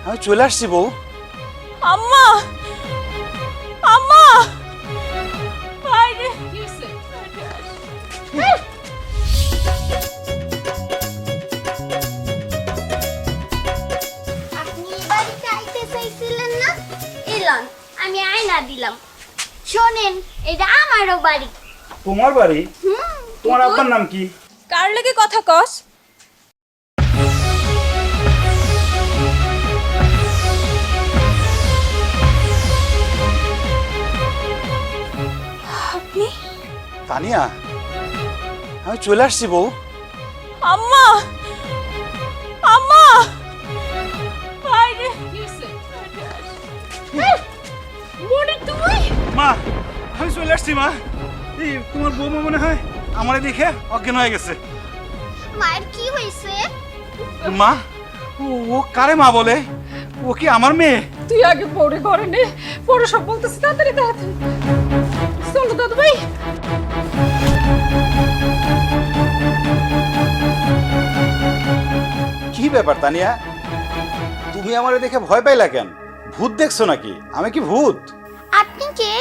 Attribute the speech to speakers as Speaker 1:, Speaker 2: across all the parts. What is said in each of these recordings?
Speaker 1: আমি চলে আসছি বউ।
Speaker 2: আম্মা আম্মা বাইরে
Speaker 3: আপনি এই বাড়িতে আইতে চাইছিলেন না? এলন, আমি আয়না দিলাম। শোনেন, এটা আমারও বাড়ি।
Speaker 1: তোমার বাড়ি? তোমার আব্বার নাম কি?
Speaker 2: কার লাগে কথা কস? আপনি?
Speaker 1: তানিয়া, আমি চলে আসছি বউ।
Speaker 2: আম্মা আম্মা বাইরে মনে তুই?
Speaker 1: মা, আমি চলে আসছি মা। এই তোমার বৌমা মনে হয় আমারে দেখে অজ্ঞান হয়ে গেছে।
Speaker 3: মায়ের কি হয়েছে?
Speaker 1: মা, ও কারে মা বলে? ও কি আমার মেয়ে?
Speaker 2: তুই আগে পড়ে ঘরে নে, পড়ে সব বলতেছি তাড়াতাড়ি তাড়াতাড়ি। চলো দাদু ভাই।
Speaker 1: কি ব্যাপার তানিয়া, তুমি আমারে দেখে ভয় পাইলা কেন? ভূত দেখছো নাকি? আমি কি ভূত?
Speaker 3: আপনি কে?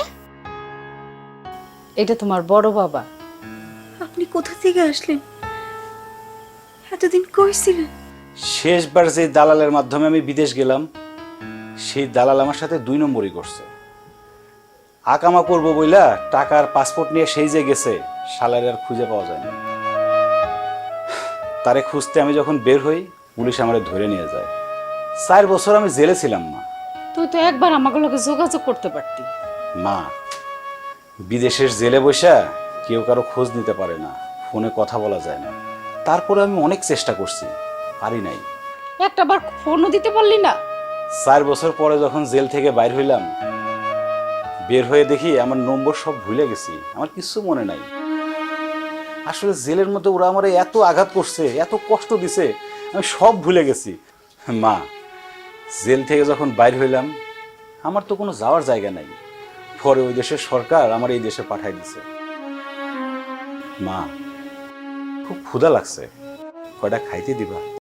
Speaker 2: এটা তোমার বড় বাবা।
Speaker 4: আপনি কোথা থেকে আসলেন? এতদিন কই ছিলেন?
Speaker 1: শেষবার যে দালালের মাধ্যমে আমি বিদেশ গেলাম, সেই দালাল আমার সাথে 2 নম্বরই করছে। আকামা করবো বইলা টাকার পাসপোর্ট নিয়ে সেই যে গেছে, শালারে আর খুঁজে পাওয়া যায় না। তারে খুঁজতে আমি যখন বের হই, পুলিশ আমারে ধরে নিয়ে যায়। 4 বছর আমি জেলে ছিলাম মা।
Speaker 2: তুই তো একবার আমাকে লগে যোগাযোগ করতে পারতি।
Speaker 1: মা, বিদেশের জেলে বসা কেউ কারো খোঁজ নিতে পারে না, ফোনে কথা বলা যায় না। তারপরে আমি অনেক চেষ্টা করছি, পারি নাই।
Speaker 2: একটা বার ফোনও দিতে পারলি না?
Speaker 1: 4 বছর পরে যখন জেল থেকে বাইর হইলাম, বের হয়ে দেখি আমার নম্বর সব ভুলে গেছি, আমার কিছু মনে নাই। আসলে জেলের মধ্যে ওরা আমার এত আঘাত করছে, এত কষ্ট দিছে, আমি সব ভুলে গেছি। মা, জেল থেকে যখন বাইর হইলাম, আমার তো কোনো যাওয়ার জায়গা নাই। পরে ওই দেশের সরকার আমার এই দেশে পাঠাই দিছে। মা, খুব ক্ষুধা লাগছে, কয়টা খাইতে দিবা?